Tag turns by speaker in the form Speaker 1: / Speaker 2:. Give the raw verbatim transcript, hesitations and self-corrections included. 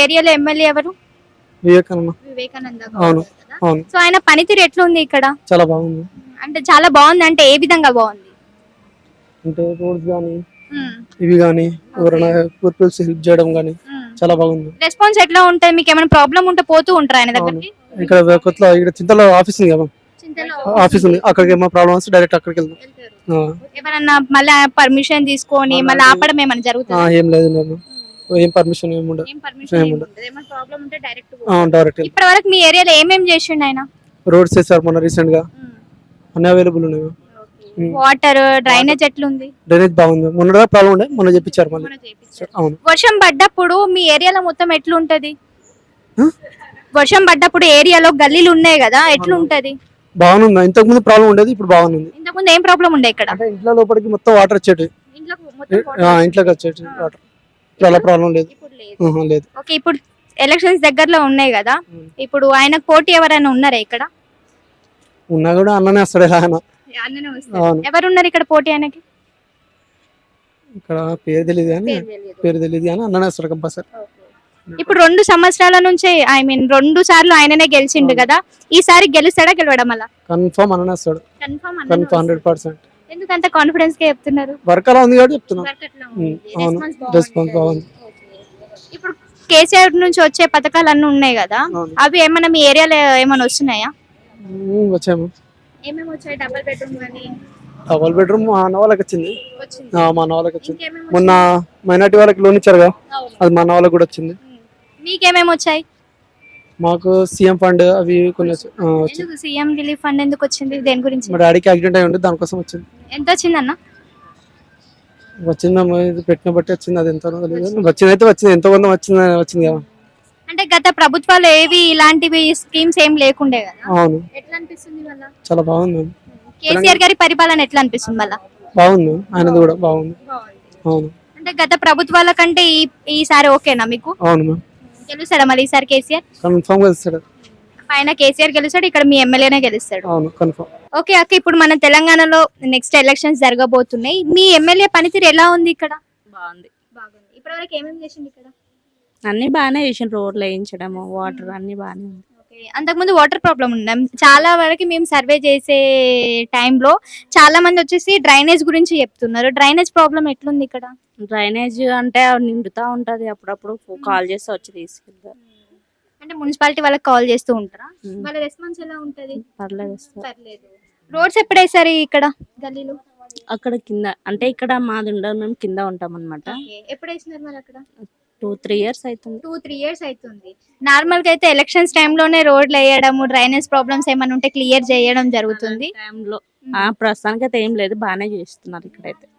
Speaker 1: ఏరియాలో ఎమ్మెల్యే ఎవరు?
Speaker 2: వివేకానంద.
Speaker 1: వివేకానంద
Speaker 2: అవును
Speaker 1: గౌడ్ కదా.
Speaker 2: అవును
Speaker 1: సో ఆయన పనితీరు ఎట్లుంది ఇక్కడ?
Speaker 2: చాలా బాగుంది.
Speaker 1: అంటే చాలా బాగుంది అంటే ఏ విధంగా బాగుంది?
Speaker 2: అంటే రోడ్స్ కానీ
Speaker 1: ఉమ్,
Speaker 2: ఇవి కానీ ఎవరైనా పీపుల్స్ హెల్ప్ చేయడం కానీ
Speaker 1: ఉమ్.
Speaker 2: చాలా బాగుంది.
Speaker 1: రెస్పాన్స్ ఎట్లా ఉంటుంది? మీకు ఏమైనా ప్రాబ్లం ఉంటే పోతూ ఉంటారా ఆయన
Speaker 2: అవును
Speaker 1: దగ్గరికి?
Speaker 2: ఇక్కడ కొత్త ఇక్కడ చింతలో ఆఫీస్ ఉంది కదా,
Speaker 1: చింతలో
Speaker 2: ఆఫీస్ ఉంది, అక్కడికి ఏమైనా ప్రాబ్లమ్ వస్తే డైరెక్ట్ అక్కడికి వెళ్దాం.
Speaker 1: వెళ్తారు.
Speaker 2: ఆ,
Speaker 1: ఏమన్నా మళ్ళీ పర్మిషన్ తీసుకొని మళ్ళీ
Speaker 2: అలాంటివి-
Speaker 1: ఆపడం ఏమైనా
Speaker 2: ఆ,
Speaker 1: జరుగుతుందా?
Speaker 2: ఏం లేదు నేను ఏం పర్మిషన్ ఏమి ఉండదు.
Speaker 1: ఏం పర్మిషన్
Speaker 2: ఏం
Speaker 1: ఏమి
Speaker 2: ఉండదు.
Speaker 1: ఉండదు. ఏమైనా ప్రాబ్లం ఉంటే డైరెక్ట్
Speaker 2: డైరెక్ట్
Speaker 1: ఇప్పటి వరకు మీ ఏరియాలో ఏమేం చేసిండు ఆయన?
Speaker 2: రోడ్స్ వేసారు మొన్న రీసెంట్ గా, అన్ని అవైలబుల్ ఉన్నాయి. ఉమ్.
Speaker 1: వాటర్ డ్రైనేజ్ ఎట్లుంది?
Speaker 2: డ్రైనేజ్ బాగుంది. మొన్న ప్రాబ్లం ఉండే మొన్న చెప్పించారు మళ్ళీ.
Speaker 1: మొన్న చేపించారు.
Speaker 2: అవును.
Speaker 1: వర్షం పడ్డప్పుడు మీ ఏరియాలో మొత్తం ఎట్లుంటది?
Speaker 2: ఆ?
Speaker 1: వర్షం పడ్డప్పుడు ఏరియాలో గల్లీలు ఉన్నాయి కదా, ఎట్లుంటది?
Speaker 2: బాగుంది. ఇంతకు ముందు ప్రాబ్లం ఉండేది, ఇప్పుడు బాగుంది.
Speaker 1: ఇంతకుముందు ఏం ప్రాబ్లం ఉండే ఇక్కడ?
Speaker 2: అంటే ఇంట్లో లోపలికి మొత్తం వాటర్ వచ్చేటి,
Speaker 1: ఇంట్లోకి మొత్తం
Speaker 2: ఆ,
Speaker 1: water
Speaker 2: ఇంట్లోకి వచ్చేటి
Speaker 1: ఆ.
Speaker 2: వాటర్. చాలా ప్రాబ్లం లేదు.
Speaker 1: ఇప్పుడు లేదు.
Speaker 2: ఆహా, లేదు.
Speaker 1: ఓకే, ఇప్పుడు ఎలక్షన్స్ దగ్గరలో ఉన్నాయి కదా,
Speaker 2: ఉమ్.
Speaker 1: ఇప్పుడు ఆయనకు పోటీ ఎవరైనా ఉన్నారా ఇక్కడ?
Speaker 2: ఉన్నా కూడా అన్ననే వస్తాడు ఎలా అయినా.
Speaker 1: అన్ననే వస్తారు.
Speaker 2: అవును.
Speaker 1: ఎవరు ఉన్నారు ఇక్కడ పోటీ ఆయనకి?
Speaker 2: ఇక్కడ పేరు తెలియదు కానీ
Speaker 1: పేరు తెలియదు.
Speaker 2: పేరు తెలియదు కానీ అన్ననే వస్తాడు కంపల్సరీ.
Speaker 1: ఇప్పుడు రెండు సంవత్సరాల నుంచి ఐ మీన్ రెండు సార్లు ఆయననే గెలిచిండు కదా, ఈసారి గెలుస్తాడా గెలవడం అలా?
Speaker 2: కన్ఫర్మ్ అన్ననే వస్తాడు.
Speaker 1: Confirm
Speaker 2: confirm hundred percent.
Speaker 1: ఎందుకంత కాన్ఫిడెన్స్ గా చెప్తున్నారు?
Speaker 2: వర్క్ అలా ఉంది కాబట్టి చెప్తున్నా.
Speaker 1: వర్క్ ఎట్లా
Speaker 2: ఉమ్,
Speaker 1: ఉంది?
Speaker 2: అవును.
Speaker 1: రెస్పాన్స్
Speaker 2: రెస్పాన్స్ బాగుంది.
Speaker 1: ఓకే. ఇప్పుడు కేసీఆర్ నుంచి వచ్చే పథకాలు అన్ని ఉన్నాయి కదా,
Speaker 2: అవును.
Speaker 1: అవి ఏమైనా మీ ఏరియాలో ఏమైనా వస్తున్నాయా?
Speaker 2: ఉమ్, వచ్చాము.
Speaker 1: ఏమేమి వచ్చాయి? డబుల్ బెడ్రూమ్ కానీ
Speaker 2: డబల్ బెడ్రూమ్ మా అన్న వాళ్ళకి వచ్చింది.
Speaker 1: వచ్చింది.
Speaker 2: ఆ, మా అన్న వాళ్ళకి వచ్చింది.
Speaker 1: ఇంకేమేమి
Speaker 2: మొన్న మైనార్టీ వాళ్ళకి లోన్ ఇచ్చారుగా,
Speaker 1: అవును.
Speaker 2: అది మా అన్న వాళ్ళకి కూడా వచ్చింది.
Speaker 1: ఉమ్. మీకేమేమి వచ్చాయి?
Speaker 2: మాకు సీఎం ఫండ్ అవి కొన్ని వచ్చాయి. ఆ, వచ్చింది.
Speaker 1: ఎందుకు సీఎం రిలీఫ్ ఫండ్ ఎందుకు వచ్చింది? దేని గురించి?
Speaker 2: మా డాడీకి యాక్సిడెంట్ అయి ఉంటే దానికోసం వచ్చింది.
Speaker 1: ఎంత వచ్చిందన్న?
Speaker 2: వచ్చిందమ్మా, ఇది పెట్టిన బట్టి వచ్చింది. అది ఎంత తెలియదు, వచ్చింది అయితే వచ్చింది. ఎంతో కొంత వచ్చింది వచ్చింది కదా.
Speaker 1: అంటే గత ప్రభుత్వాలు ఏవి ఇలాంటివి స్కీమ్స్ ఏం లేకుండే కదా,
Speaker 2: అవును.
Speaker 1: ఎట్లా అనిపిస్తుంది వల్ల?
Speaker 2: చాలా బాగుంది.
Speaker 1: కేసీఆర్ గారి పరిపాలన ఎట్లా అనిపిస్తుంది వల్ల?
Speaker 2: బాగుంది. ఆయనది కూడా బాగుంది. అవును.
Speaker 1: అంటే గత ప్రభుత్వాల కంటే ఈ ఈసారి ఓకేనా మీకు?
Speaker 2: అవును మ్యామ్.
Speaker 1: గెలుస్తాడా మళ్ళీ ఈసారి కేసీఆర్?
Speaker 2: కన్ఫర్మ్ గా ఇస్తాడు.
Speaker 1: పైన కేసీఆర్ గెలుస్తాడు, ఇక్కడ మీ ఎమ్మెల్యేనే గెలుస్తాడు.
Speaker 2: అవును కన్ఫర్మ్.
Speaker 1: ఓకే అక్క, ఇప్పుడు మన తెలంగాణలో నెక్స్ట్ ఎలక్షన్స్ జరగబోతున్నాయి. మీ ఎమ్మెల్యే పనితీరు ఎలా ఉంది ఇక్కడ?
Speaker 3: బాగుంది.
Speaker 1: బాగుంది. ఇప్పటివరకు ఏమేమి చేసింది ఇక్కడ?
Speaker 3: అన్ని బాగానే చేసిన, రోడ్లు వేయించడము, వాటర్ అన్ని బాగానే ఉంది.
Speaker 1: ఓకే, అంతకుముందు వాటర్ ప్రాబ్లం ఉందా? చాలా వరకు మేము సర్వే చేసే టైంలో చాలా మంది వచ్చేసి డ్రైనేజ్ గురించి చెప్తున్నారు. డ్రైనేజ్ ప్రాబ్లం ఎట్లుంది ఇక్కడ?
Speaker 3: డ్రైనేజ్ అంటే అవి నిండుతా ఉంటది, అప్పుడప్పుడు కాల్ చేస్తే వచ్చి తీసుకెళ్తారు.
Speaker 1: అంటే మున్సిపాలిటీ వాళ్ళకి కాల్ చేస్తూ ఉంటారా?
Speaker 3: ఉమ్.
Speaker 1: వాళ్ళ రెస్పాన్స్ ఎలా ఉంటది?
Speaker 3: పర్లేదు వస్తారు.
Speaker 1: పర్లేదు. రోడ్స్ ఎప్పుడు వేసారు ఇక్కడ గల్లీలో?
Speaker 3: అక్కడ కింద అంటే ఇక్కడ మాది ఉండదు, మేము కింద ఉంటాం అనమాట.
Speaker 1: ఓకే, ఎప్పుడు వేసినారు మరి అక్కడ?
Speaker 3: టూ త్రీ ఇయర్స్ అవుతుంది.
Speaker 1: టూ త్రీ ఇయర్స్ అవుతుంది. నార్మల్ గా అయితే ఎలక్షన్స్ టైంలోనే రోడ్లు వేయడం, డ్రైనేజ్ ప్రాబ్లమ్స్ ఏమైనా ఉంటే క్లియర్ చేయడం జరుగుతుంది.
Speaker 3: టైంలో ప్రస్తుతానికి అయితే ఏం లేదు, బాగానే చేస్తున్నారు ఇక్కడైతే.